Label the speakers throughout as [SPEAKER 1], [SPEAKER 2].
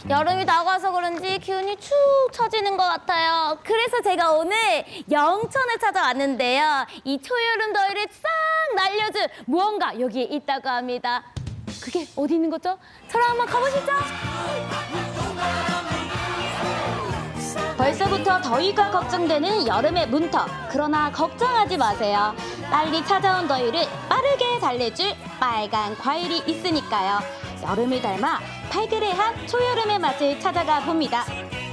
[SPEAKER 1] 여름이 다가와서 그런지 기운이 축 처지는 것 같아요. 그래서 제가 오늘 영천을 찾아왔는데요. 이 초여름 더위를 싹 날려줄 무언가 여기에 있다고 합니다. 그게 어디 있는 거죠? 저랑 한번 가보시죠. 벌써부터 더위가 걱정되는 여름의 문턱. 그러나 걱정하지 마세요. 빨리 찾아온 더위를 빠르게 달래줄 빨간 과일이 있으니까요. 여름을 닮아 발그레한 초여름의 맛을 찾아가 봅니다.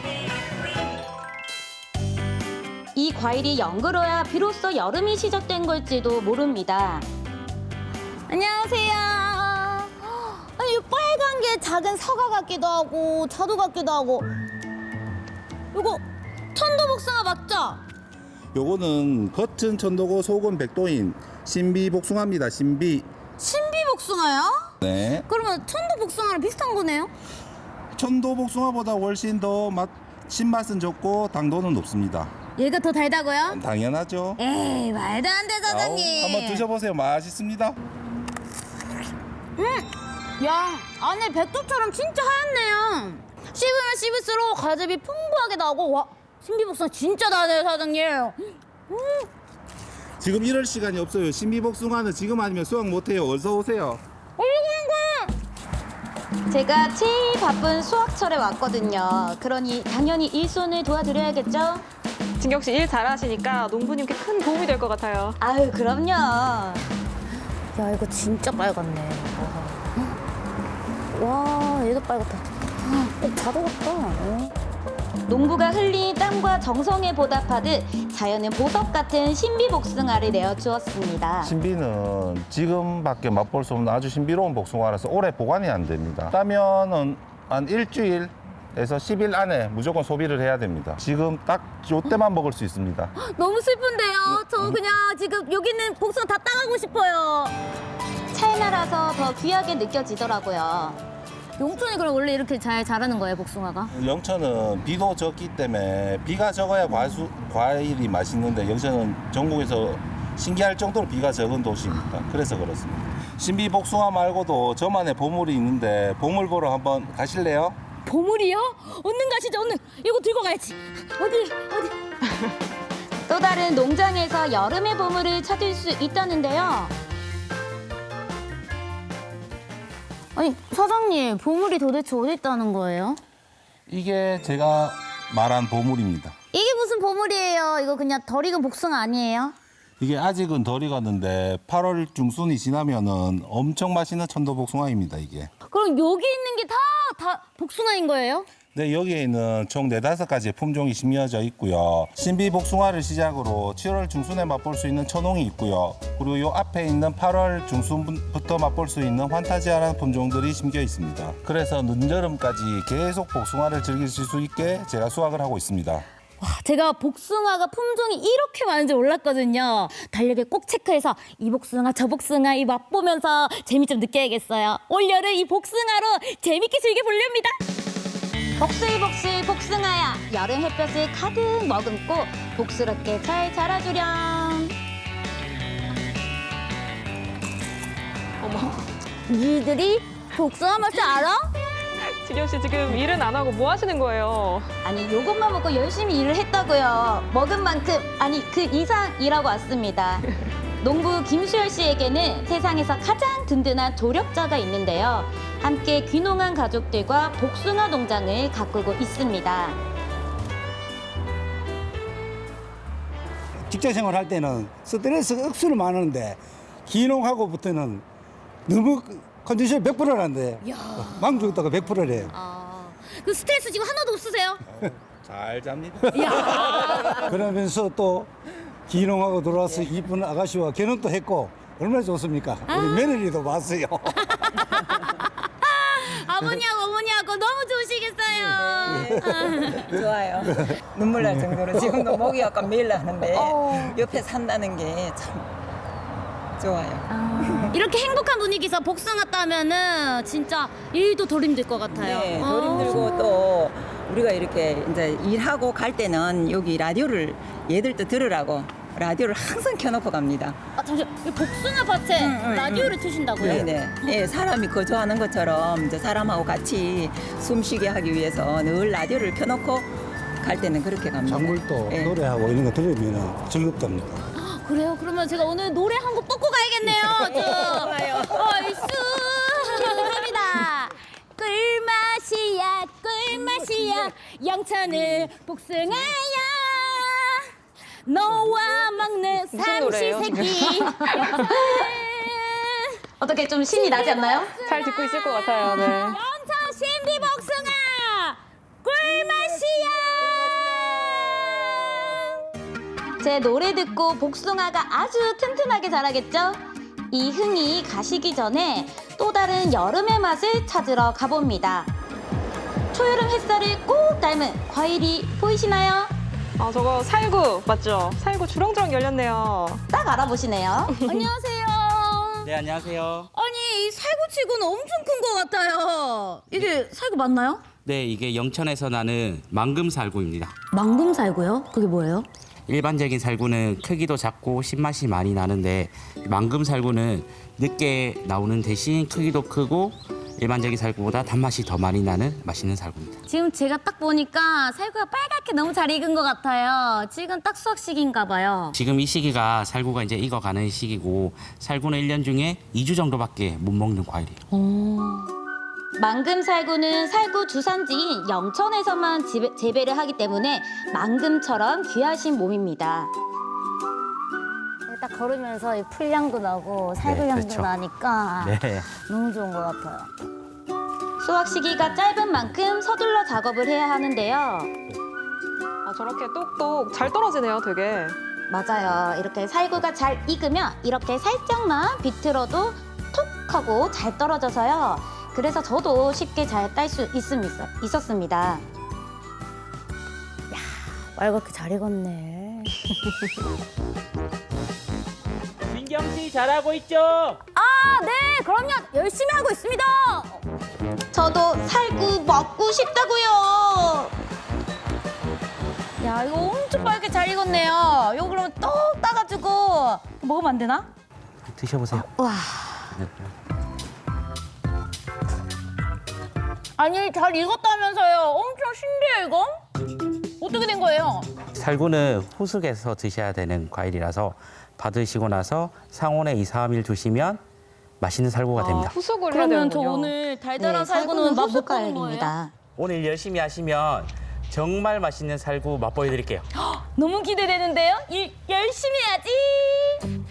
[SPEAKER 1] 이 과일이 연그러야 비로소 여름이 시작된 걸지도 모릅니다. 안녕하세요. 아니, 이 빨간 게 작은 사과 같기도 하고 자두 같기도 하고. 이거 천도복숭아 맞죠?
[SPEAKER 2] 요거는 겉은 천도고 속은 백도인 신비복숭아입니다.
[SPEAKER 1] 신비복숭아요?
[SPEAKER 2] 네.
[SPEAKER 1] 그러면 천도복숭아랑 비슷한 거네요?
[SPEAKER 2] 천도복숭아보다 훨씬 더 신맛은 적고 당도는 높습니다.
[SPEAKER 1] 얘가 더 달다고요?
[SPEAKER 2] 당연하죠.
[SPEAKER 1] 에이, 말도 안 돼, 사장님.
[SPEAKER 2] 한번 드셔보세요. 맛있습니다.
[SPEAKER 1] 야, 안에 백두처럼 진짜 하얗네요. 씹으면 씹을수록 과즙이 풍부하게 나오고, 와, 신비복숭아 진짜 다네요, 사장님.
[SPEAKER 2] 지금 이럴 시간이 없어요. 신비복숭아는 지금 아니면 수확 못해요. 어서 오세요.
[SPEAKER 1] 제가 제일 바쁜 수학철에 왔거든요. 그러니 당연히 일손을 도와드려야겠죠?
[SPEAKER 3] 진경 씨 일 잘하시니까 농부님께 큰 도움이 될 것 같아요.
[SPEAKER 1] 아유, 그럼요. 야, 이거 진짜 빨갛네. 와, 얘도 빨갛다. 자두 같다. 농부가 흘린 땀과 정성에 보답하듯 자연은 보석 같은 신비복숭아를 내어주었습니다.
[SPEAKER 2] 신비는 지금밖에 맛볼 수 없는 아주 신비로운 복숭아라서 오래 보관이 안 됩니다. 따면은 한 일주일에서 10일 안에 무조건 소비를 해야 됩니다. 지금 딱 요때만 먹을 수 있습니다.
[SPEAKER 1] 너무 슬픈데요. 저 그냥 지금 여기 있는 복숭아 다 따가고 싶어요. 찰나라서 더 귀하게 느껴지더라고요. 용천이 그럼 원래 이렇게 잘 자라는 거예요, 복숭아가?
[SPEAKER 2] 영천은 비도 적기 때문에 비가 적어야 과일이 맛있는데 영천은 전국에서 신기할 정도로 비가 적은 도시입니다. 그래서 그렇습니다. 신비복숭아 말고도 저만의 보물이 있는데 보물 보러 한번 가실래요?
[SPEAKER 1] 보물이요? 얼른 가시죠, 얼른. 이거 들고 가야지. 어디? 또 다른 농장에서 여름의 보물을 찾을 수 있다는데요. 아니, 사장님, 보물이 도대체 어디 있다는 거예요?
[SPEAKER 2] 이게 제가 말한 보물입니다.
[SPEAKER 1] 이게 무슨 보물이에요? 이거 그냥 덜 익은 복숭아 아니에요?
[SPEAKER 2] 이게 아직은 덜 익었는데 8월 중순이 지나면은 엄청 맛있는 천도복숭아입니다, 이게.
[SPEAKER 1] 그럼 여기 있는 게 다 복숭아인 거예요?
[SPEAKER 2] 네, 여기에는 총 4-5가지의 품종이 심어져 있고요. 신비복숭아를 시작으로 7월 중순에 맛볼 수 있는 천홍이 있고요. 그리고 요 앞에 있는 8월 중순부터 맛볼 수 있는 환타지아라는 품종들이 심겨 있습니다. 그래서 늦여름까지 계속 복숭아를 즐기실 수 있게 제가 수확을 하고 있습니다.
[SPEAKER 1] 와, 제가 복숭아가 품종이 이렇게 많은지 몰랐거든요. 달력에 꼭 체크해서 이 복숭아 저 복숭아 이 맛보면서 재미 좀 느껴야겠어요. 올여름 이 복숭아로 재밌게 즐겨보렵니다. 복슬복슬 복숭아야, 여름 햇볕을 가득 머금고 복스럽게 잘 자라주렴.
[SPEAKER 3] 어머,
[SPEAKER 1] 니들이 복숭아 맛을 알아?
[SPEAKER 3] 진경 씨 지금 일은 안 하고 뭐 하시는 거예요?
[SPEAKER 1] 아니, 요것만 먹고 열심히 일을 했다고요. 먹은 만큼, 아니 그 이상 일하고 왔습니다. 농부 김수열 씨에게는 세상에서 가장 든든한 조력자가 있는데요. 함께 귀농한 가족들과 복숭아 농장을 가꾸고 있습니다.
[SPEAKER 4] 직장 생활할 때는 스트레스가 억수로 많은데 귀농하고부터는 너무 컨디션이 100%라는데 망주다가 100%래요.
[SPEAKER 1] 그 스트레스 지금 하나도 없으세요?
[SPEAKER 2] 잘 잡니다.
[SPEAKER 4] 그러면서 또 귀농하고 돌아와서 이쁜 아가씨와 결혼도 했고 얼마나 좋습니까? 우리 며느리도 왔어요.
[SPEAKER 1] 아버님하고 어머니하고 너무 좋으시겠어요.
[SPEAKER 5] 좋아요. 눈물 날 정도로 지금도 목이 약간 메일나는데 옆에 산다는 게 참 좋아요.
[SPEAKER 1] 이렇게 행복한 분위기에서 복숭아 따면은 진짜 일도 덜 힘들 것 같아요.
[SPEAKER 5] 네, 덜 힘들고 또 우리가 이렇게 이제 일하고 갈 때는 여기 라디오를 얘들도 들으라고 라디오를 항상 켜놓고 갑니다.
[SPEAKER 1] 아, 잠시만. 이 복숭아 밭에 라디오를 트신다고요?
[SPEAKER 5] 네네. 예, 사람이 거주하는 것처럼 이제 사람하고 같이 숨쉬게 하기 위해서 늘 라디오를 켜놓고 갈 때는 그렇게 갑니다.
[SPEAKER 4] 작물도
[SPEAKER 5] 예.
[SPEAKER 4] 노래하고 이런 거 들으면 즐겁답니다.
[SPEAKER 1] 그래요? 그러면 제가 오늘 노래 한 곡 뽑고 가야겠네요.
[SPEAKER 5] 좋아요.
[SPEAKER 1] 얼쑤 합니다. 꿀맛이야 꿀맛이야 영천을 복숭아야 너와 먹는
[SPEAKER 3] 무슨 노래예요,
[SPEAKER 1] 삼시세끼 어떻게 좀 신이 나지 않나요?
[SPEAKER 3] 잘 듣고 있을 것 같아요. 네.
[SPEAKER 1] 영천 신비 복숭아 꿀맛이야 제 노래 듣고 복숭아가 아주 튼튼하게 자라겠죠? 이 흥이 가시기 전에 또 다른 여름의 맛을 찾으러 가봅니다. 초여름 햇살을 꼭 닮은 과일이 보이시나요?
[SPEAKER 3] 아, 저거 살구 맞죠? 살구 주렁주렁 열렸네요.
[SPEAKER 1] 딱 알아보시네요. 안녕하세요.
[SPEAKER 6] 네, 안녕하세요.
[SPEAKER 1] 아니, 이 살구치고는 엄청 큰 것 같아요. 이게 살구 맞나요?
[SPEAKER 6] 네, 이게 영천에서 나는 망금살구입니다.
[SPEAKER 1] 망금 살구요? 그게 뭐예요?
[SPEAKER 6] 일반적인 살구는 크기도 작고 신맛이 많이 나는데 망금살구는 늦게 나오는 대신 크기도 크고 일반적인 살구보다 단맛이 더 많이 나는 맛있는 살구입니다.
[SPEAKER 1] 지금 제가 딱 보니까 살구가 빨갛게 너무 잘 익은 것 같아요. 지금 딱 수확 시기인가 봐요.
[SPEAKER 6] 지금 이 시기가 살구가 이제 익어가는 시기고 살구는 1년 중에 2주 정도밖에 못 먹는 과일이에요.
[SPEAKER 1] 망금 살구는 살구 주산지인 영천에서만 재배를 하기 때문에 망금처럼 귀하신 몸입니다. 딱 걸으면서 이 풀향도 나고 살구 향도
[SPEAKER 6] 그렇죠.
[SPEAKER 1] 나니까
[SPEAKER 6] 네.
[SPEAKER 1] 너무 좋은 것 같아요. 수확 시기가 짧은 만큼 서둘러 작업을 해야 하는데요.
[SPEAKER 3] 아, 저렇게 똑똑 잘 떨어지네요, 되게.
[SPEAKER 1] 맞아요. 이렇게 살구가 잘 익으면 이렇게 살짝만 비틀어도 톡 하고 잘 떨어져서요. 그래서 저도 쉽게 잘 딸 수 있었습니다. 야, 빨갛게 잘 익었네.
[SPEAKER 7] 민경 씨 잘하고 있죠?
[SPEAKER 1] 아, 네, 그럼요. 열심히 하고 있습니다. 저도 살구 먹고 싶다고요. 야, 이거 엄청 빨갛게 잘 익었네요. 이거 그러면 똑 따가지고 먹으면 안 되나?
[SPEAKER 6] 드셔보세요.
[SPEAKER 1] 와. 아니, 잘 익었다면서요. 엄청 신기해요, 이거. 어떻게 된 거예요?
[SPEAKER 6] 살구는 후숙에서 드셔야 되는 과일이라서 받으시고 나서 상온에 2, 3일 두시면 맛있는 살구가
[SPEAKER 3] 아,
[SPEAKER 6] 됩니다.
[SPEAKER 3] 후숙을 해야
[SPEAKER 1] 그러면 저
[SPEAKER 3] 되는군요.
[SPEAKER 1] 오늘 달달한 살구는 맛 못 보는 거예요?
[SPEAKER 6] 네, 오늘 열심히 하시면 정말 맛있는 살구 맛보여드릴게요.
[SPEAKER 1] 너무 기대되는데요? 열심히 해야지.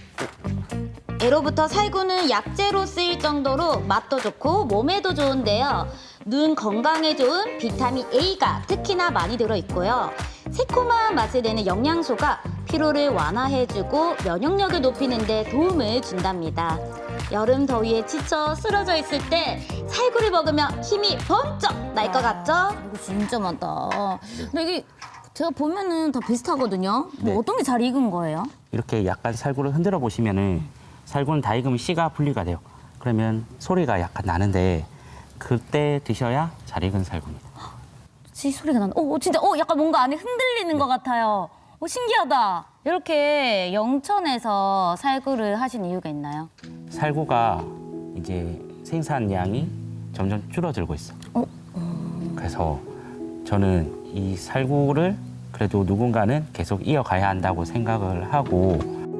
[SPEAKER 1] 예로부터 살구는 약재로 쓰일 정도로 맛도 좋고 몸에도 좋은데요. 눈 건강에 좋은 비타민 A가 특히나 많이 들어있고요. 새콤한 맛을 내는 영양소가 피로를 완화해주고 면역력을 높이는 데 도움을 준답니다. 여름 더위에 지쳐 쓰러져 있을 때 살구를 먹으면 힘이 번쩍 날 것 같죠? 이거 진짜 많다. 근데 이게 제가 보면은 다 비슷하거든요. 뭐
[SPEAKER 6] 네.
[SPEAKER 1] 어떤 게 잘 익은 거예요?
[SPEAKER 6] 이렇게 약간 살구를 흔들어 보시면은 살구는 다 익으면 씨가 분리가 돼요. 그러면 소리가 약간 나는데 그때 드셔야 잘 익은 살구입니다.
[SPEAKER 1] 씨 소리가 나는. 진짜 약간 뭔가 안에 흔들리는 것 같아요. 신기하다. 이렇게 영천에서 살구를 하신 이유가 있나요?
[SPEAKER 6] 살구가 이제 생산량이 점점 줄어들고 있어. 그래서 저는 이 살구를 그래도 누군가는 계속 이어가야 한다고 생각을 하고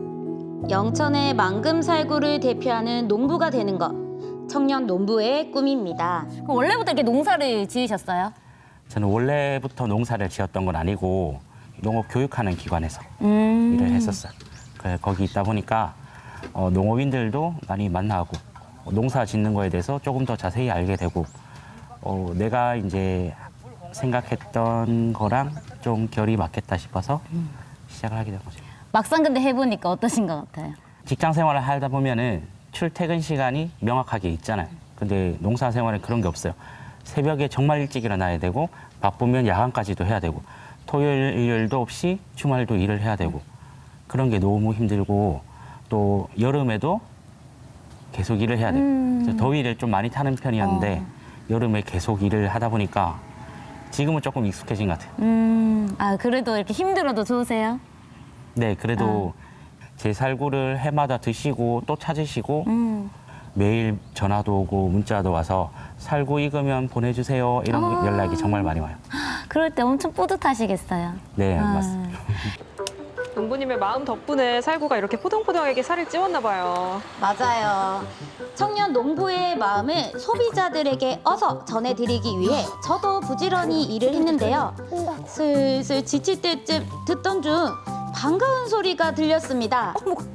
[SPEAKER 1] 영천의 망금살구를 대표하는 농부가 되는 것. 청년 농부의 꿈입니다. 그럼 원래부터 이렇게 농사를 지으셨어요?
[SPEAKER 6] 저는 원래부터 농사를 지었던 건 아니고 농업 교육하는 기관에서 일을 했었어요. 그래 거기 있다 보니까 농업인들도 많이 만나고 농사 짓는 거에 대해서 조금 더 자세히 알게 되고 내가 이제 생각했던 거랑 좀 결이 맞겠다 싶어서 시작을 하게 된 거죠.
[SPEAKER 1] 막상 근데 해보니까 어떠신 것 같아요?
[SPEAKER 6] 직장 생활을 하다 보면은 출퇴근 시간이 명확하게 있잖아요. 근데 농사 생활은 그런 게 없어요. 새벽에 정말 일찍 일어나야 되고 바쁘면 야간까지도 해야 되고 토요일, 일요일도 없이 주말도 일을 해야 되고 그런 게 너무 힘들고 또 여름에도 계속 일을 해야 돼요. 그래서 더위를 좀 많이 타는 편이었는데 여름에 계속 일을 하다 보니까 지금은 조금 익숙해진 것 같아요.
[SPEAKER 1] 그래도 이렇게 힘들어도 좋으세요?
[SPEAKER 6] 네, 그래도 제 살구를 해마다 드시고 또 찾으시고 매일 전화도 오고 문자도 와서 살구 익으면 보내주세요 이런 연락이 정말 많이 와요.
[SPEAKER 1] 그럴 때 엄청 뿌듯하시겠어요.
[SPEAKER 6] 네, 맞습니다.
[SPEAKER 3] 농부님의 마음 덕분에 살구가 이렇게 포동포동하게 살을 찌웠나 봐요.
[SPEAKER 1] 맞아요. 청년 농부의 마음을 소비자들에게 어서 전해드리기 위해 저도 부지런히 일을 했는데요. 슬슬 지칠 때쯤 듣던 중 반가운 소리가 들렸습니다.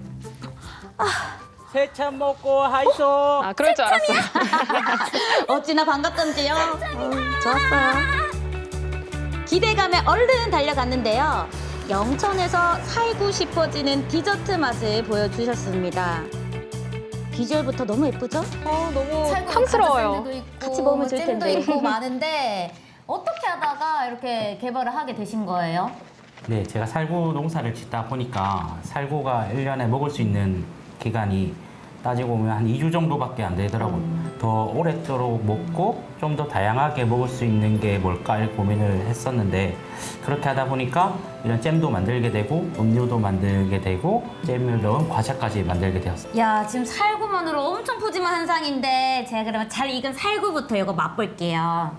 [SPEAKER 7] 세참 먹고 하이소.
[SPEAKER 3] 아, 그럴 줄 알았어요.
[SPEAKER 1] 어찌나 반갑던지요. 좋았어요. 기대감에 얼른 달려갔는데요. 영천에서 살고 싶어지는 디저트 맛을 보여주셨습니다. 비주얼부터 너무 예쁘죠?
[SPEAKER 3] 너무 탐스러워요.
[SPEAKER 1] 같이 먹으면 좋을 텐데. 잼도 있고 많은데 어떻게 하다가 이렇게 개발을 하게 되신 거예요?
[SPEAKER 6] 네, 제가 살구 농사를 짓다 보니까 살구가 1년에 먹을 수 있는 기간이 따지고 보면 한 2주 정도밖에 안 되더라고요. 더 오랫도록 먹고 좀 더 다양하게 먹을 수 있는 게 뭘까 고민을 했었는데 그렇게 하다 보니까 이런 잼도 만들게 되고 음료도 만들게 되고 잼을 넣은 과자까지 만들게 되었어요.
[SPEAKER 1] 야, 지금 살구만으로 엄청 푸짐한 한상인데 제가 그러면 잘 익은 살구부터 이거 맛볼게요.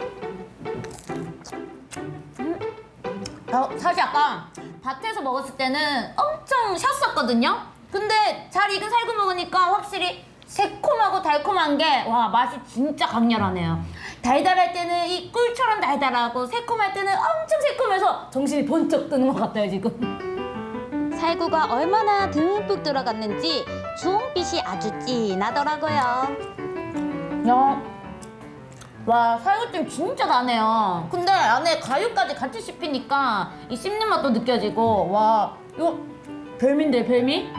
[SPEAKER 1] 사실 아까 밭에서 먹었을 때는 엄청 셨었거든요. 근데 잘 익은 살구 먹으니까 확실히 새콤하고 달콤한 게 와 맛이 진짜 강렬하네요. 달달할 때는 이 꿀처럼 달달하고 새콤할 때는 엄청 새콤해서 정신이 번쩍 드는 것 같아요 지금. 살구가 얼마나 듬뿍 들어갔는지 주홍빛이 아주 진하더라고요. 야, 와 살구찜 진짜 나네요. 근데 안에 가유까지 같이 씹히니까 이 씹는 맛도 느껴지고 와 이거 별미인데 별미?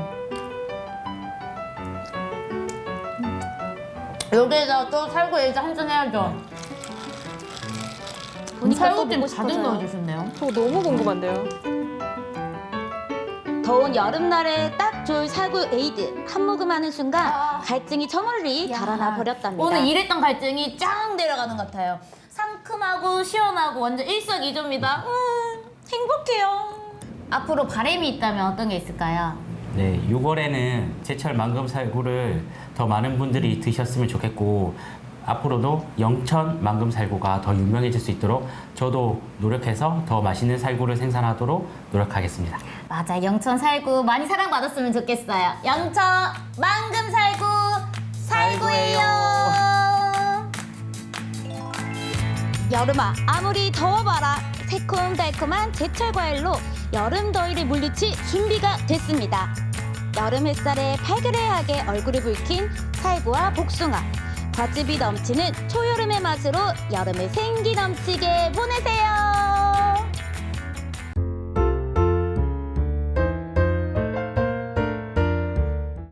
[SPEAKER 1] 여기에다 또 살구 얘기 한잔 해야죠. 살구찜 가득 넣어주셨네요.
[SPEAKER 3] 저 너무 궁금한데요.
[SPEAKER 1] 더운 여름날에 딱 좋을 살구 에이드 한 모금 하는 순간 갈증이 저 멀리 달아나 버렸답니다. 오늘 이랬던 갈증이 쫙 내려가는 것 같아요. 상큼하고 시원하고 완전 일석이조입니다. 행복해요. 앞으로 바람이 있다면 어떤 게 있을까요?
[SPEAKER 6] 네, 6월에는 제철 망금 살구를 더 많은 분들이 드셨으면 좋겠고 앞으로도 영천 망금 살구가 더 유명해질 수 있도록 저도 노력해서 더 맛있는 살구를 생산하도록 노력하겠습니다.
[SPEAKER 1] 맞아, 영천 살구 많이 사랑받았으면 좋겠어요. 영천 망금 살구 살구예요. 여름아 아무리 더워봐라 새콤달콤한 제철 과일로 여름 더위를 물리칠 준비가 됐습니다. 여름 햇살에 발그레하게 얼굴을 붉힌 살구와 복숭아. 과즙이 넘치는 초여름의 맛으로 여름을 생기 넘치게 보내세요.